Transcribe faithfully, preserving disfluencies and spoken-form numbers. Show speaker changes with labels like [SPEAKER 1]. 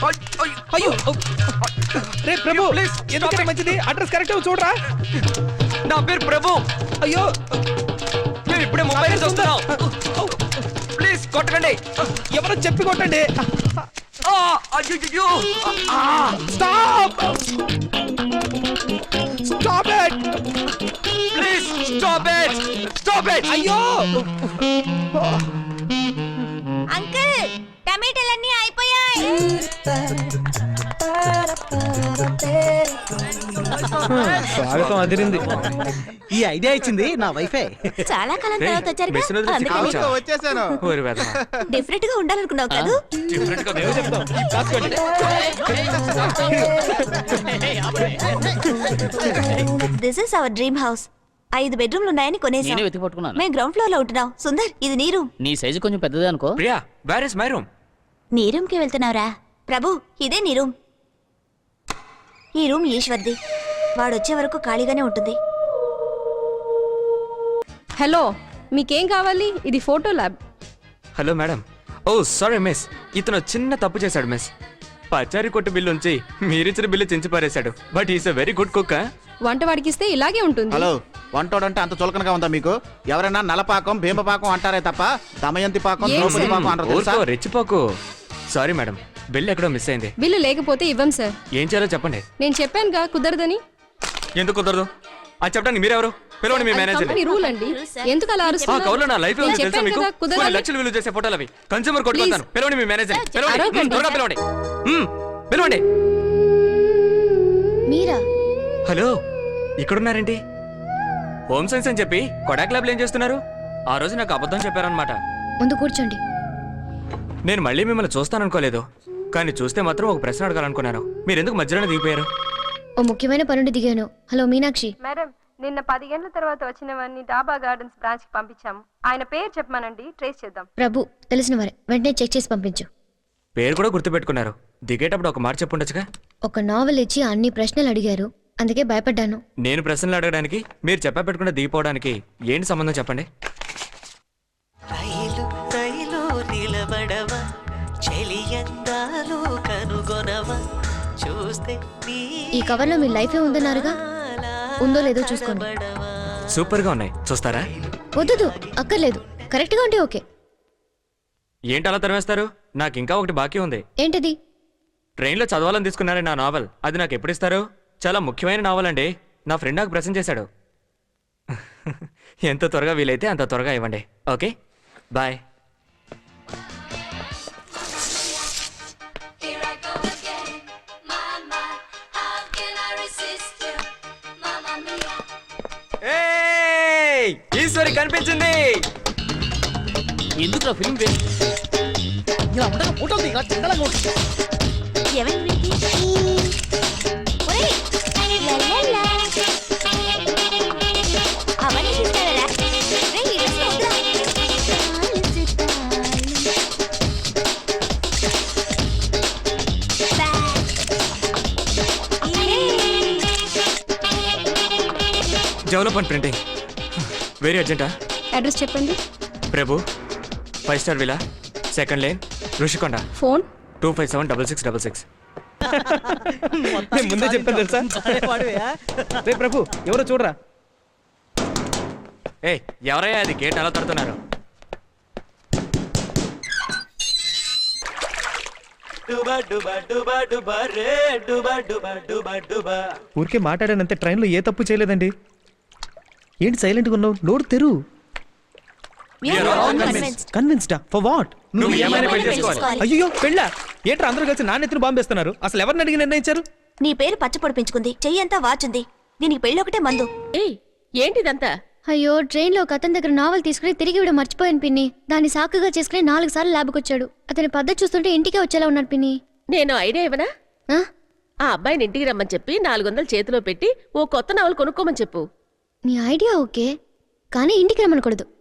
[SPEAKER 1] అయ్యో రే ప్రభు ప్లీజ్ ఎందుకంటే మంచిది అడ్రస్ కరెక్ట్ చూడరా.
[SPEAKER 2] నా పేరు ప్రభు.
[SPEAKER 1] అయ్యో
[SPEAKER 2] మేము ఇప్పుడే ముంబై నుంచి వస్తున్నాం. ప్లీజ్ కొట్టకండి.
[SPEAKER 1] ఎవరో చెప్పి కొట్టండి.
[SPEAKER 2] అయ్యో
[SPEAKER 1] stop stop it
[SPEAKER 2] please stop it stop it.
[SPEAKER 1] అయ్యో
[SPEAKER 3] అంకుల్ టమాటాలన్నీ అయిపోయాయి.
[SPEAKER 1] స్వాగతం అదిరింది.
[SPEAKER 4] ఈ ఐడియా ఇచ్చింది నా వైఫే.
[SPEAKER 3] చాలా కాలం తర్వాత వచ్చారు.
[SPEAKER 4] వచ్చేసాను.
[SPEAKER 3] డిఫరెంట్ గా ఉండాలనుకున్నావు కదా. This is our dream house. ఐదు బెడ్రూమ్లు ఉన్నాయని కొనేసాం.
[SPEAKER 5] నేనే వెతికి పట్టుకున్నాను.
[SPEAKER 3] మేము గ్రౌండ్ ఫ్లోర్ లో ఉంటున్నాం. సుందర్ ఇది నీ రూమ్.
[SPEAKER 5] నీ సైజు కొంచెం పెద్దదే అనుకో.
[SPEAKER 2] Priya where is my room?
[SPEAKER 3] నీ రూమ్ కి వెళ్తున్నావురా? ప్రభు ఇదే నీ రూమ్. ఈ రూమ్ ఈశ్వర్ది. వాడొచ్చే వరకు ఖాళీగానే ఉంటుంది.
[SPEAKER 6] హలో, మీకేం కావాలి? ఇది photo lab.
[SPEAKER 2] Hello madam. Oh sorry miss, ఇతను చిన్న తప్పు చేశాడు మిస్. పచారీ కొట్టు బిల్లు ఉంచి మీరిచ్చిన బిల్లు చించి పారేశాడు. But is a very good cook.
[SPEAKER 6] వంట వాడికిస్తే ఇలాగే ఉంటుంది.
[SPEAKER 4] హలో, వంటోడంటే అంత చులకనగా ఉందా మీకు? ఎవరైనా నలపాకం భీమపాకం అంటారే తప్ప దమయంతి పాకం ద్రౌపది పాకం అంటారు తెలుసా?
[SPEAKER 2] రెచ్చిపోకు. సారీ మేడం, బిల్లు ఎక్కడో మిస్ అయింది.
[SPEAKER 6] బిల్లు లేకపోతే ఇవ్వం సార్.
[SPEAKER 2] ఏం చేయాలో చెప్పండి.
[SPEAKER 6] నేను చెప్పానుగా కుదరదని.
[SPEAKER 2] ఎందుకు కుదరదు? అది చెప్పడానికి మీరెవరు? పిలవండి మీ మేనేజర్.
[SPEAKER 6] కంపెనీ రూల్ అండి. ఎందుకు అలా అరుస్తున్నారు?
[SPEAKER 2] ఆ కవర్లో నా లైఫ్
[SPEAKER 6] నేను
[SPEAKER 2] తెలుసా
[SPEAKER 6] చెప్పాను
[SPEAKER 2] మీకు?
[SPEAKER 6] కదా, కుదరదని.
[SPEAKER 2] కొన్ని లక్షలు విలువ చేసే ఫోటోలు అవి. కన్స్యూమర్ కోర్టుకు వెళ్తాను. పిలవండి మీ మేనేజర్. పిలవండి.
[SPEAKER 6] అరవకండి.
[SPEAKER 2] త్వరగా పిలవండి. మ్మ్, పిలవండి.
[SPEAKER 3] మీరా?
[SPEAKER 2] హలో, ఇక్కడున్నారేంటి? హోమ్ సైన్స్ అని చెప్పి కొడాక్ ల్యాబ్లో ఏం చేస్తున్నారు? ఆ రోజు నాకు అబద్ధం చెప్పారనమాట.
[SPEAKER 3] ముందు కూర్చోండి.
[SPEAKER 2] నేను మళ్ళీ మిమ్మల్ని చూస్తాననుకోలేదు, కానీ చూస్తే మాత్రం ఒక ప్రశ్న అడగాలనుకున్నాను. మీరు ఎందుకు మధ్యలోనే దిగిపోయారు?
[SPEAKER 3] ఓ ముఖ్యమైన పనుండి దిగాను. హలో మీనాక్షి.
[SPEAKER 6] మేడం, నిన్న పదిహేనుల తర్వాత వచ్చినవన్నీ డాబా గార్డెన్స్ బ్రాంచ్ కి పంపించాము. ఆయన పేరు చెప్పమానండి, ట్రేస్ చేద్దాం.
[SPEAKER 3] ప్రభు తెలిసిన వారే, వెంటనే చెక్ చేసి పంపించు.
[SPEAKER 2] పేరు కూడా గుర్తుపెట్టుకున్నారు. దిగేటప్పుడు ఒక మాట చెప్పుండొచ్చుగా.
[SPEAKER 3] ఒక నావెల్ ఇచ్చి అన్ని ప్రశ్నలు అడిగారు, అందుకే భయపడ్డాను.
[SPEAKER 2] నేను ప్రశ్నలు అడగడానికి మీరు చెప్పా పెట్టుకున్న దిగిపోవడానికి ఏంటి సంబంధం చెప్పండి.
[SPEAKER 7] రైలు రైలు నిలబడవా, చెలియందాలు కనుగొనవా, చూస్తే
[SPEAKER 3] ఈ కవర్లో మీ లైఫే ఉందన్నారుగా, ఉందో లేదో చూసుకోండి.
[SPEAKER 2] సూపర్ గా ఉన్నాయి, చూస్తారా?
[SPEAKER 3] వద్దు, అక్కర్లేదు. కరెక్ట్ గా ఉంటే ఓకే.
[SPEAKER 2] ఏంటి అలా తరివేస్తారు? నాకు ఇంకా ఒకటి బాకీ ఉంది.
[SPEAKER 3] ఏంటది?
[SPEAKER 2] ట్రైన్లో చదవాలని తీసుకున్నారే నా నావల్, అది నాకు ఎప్పుడు ఇస్తారు? చాలా ముఖ్యమైన నావల్ అండి. నా ఫ్రెండ్ నాకు ప్రెజెంట్ చేశాడు. ఎంత త్వరగా వీలైతే అంత త్వరగా ఇవ్వండి. Okay, bye. ఈశ్వరి కనిపించింది.
[SPEAKER 5] ఎందుకు ఫిల్మ్ వేస్ట్?
[SPEAKER 4] ఇలా ఉండగా ఫోటోలు దిగా చందలంగా ఉంటుంది.
[SPEAKER 2] డెవలప్మెంట్ ప్రింటింగ్ వెరీ అర్జెంటా?
[SPEAKER 6] అడ్రస్ చెప్పండి.
[SPEAKER 2] Prabhu, five star villa, second lane, Rushikonda.
[SPEAKER 6] Phone
[SPEAKER 2] two five seven double six double six.
[SPEAKER 1] నేను ముందే చెప్పాను తెలుసా. రే ప్రభు ఎవరో చూడరా.
[SPEAKER 2] ఏ ఎవరయ్యా అది? గేట్ అలా తడుతున్నారు.
[SPEAKER 1] ఊరికే మాట్లాడానంతే, ట్రైన్లో ఏ తప్పు చేయలేదండి. ఏంటి సైలెంట్గా ఉన్నావు? నోరు తెరు. కన్విన్స్డా ఫర్ వాట్?
[SPEAKER 2] నువ్వు ఏమైనా పెళ్లి చేసుకోవాలి.
[SPEAKER 1] అయ్యో పెళ్ళా? ఏంట్రా అందరూ కలిసి నా నెత్తిన బాంబేస్తున్నారు? అసలు ఎవరిని అడిగి నిర్ణయించారు?
[SPEAKER 3] నీ పేరు పచ్చ పొడిపించుకుంది, చెయ్యంతా వాచుంది. దీనికి పెళ్ళి ఒకటే మందు.
[SPEAKER 6] ఏంటిదంతా?
[SPEAKER 3] అయ్యో, ట్రైన్ లో అతని దగ్గర నావల్ తీసుకుని తిరిగి ఇవ్వడం మర్చిపోయాను పిన్ని. దాన్ని సాకుగా చేసుకుని నాలుగు సార్లు ల్యాబ్కి వచ్చాడు. అతని పద్ధతి చూస్తుంటే ఇంటికే వచ్చేలా ఉన్నాడు పిన్ని.
[SPEAKER 8] నేను ఐడియా ఇవ్వనా?
[SPEAKER 3] ఆ?
[SPEAKER 8] ఆ అబ్బాయిని ఇంటికి రమ్మని చెప్పి నాలుగు వందలు చేతిలో పెట్టి ఓ కొత్త నావల్ కొనుక్కోమని చెప్పు.
[SPEAKER 3] నీ ఐడియా ఓకే, కానీ ఇంటికి రమ్మనకూడదు.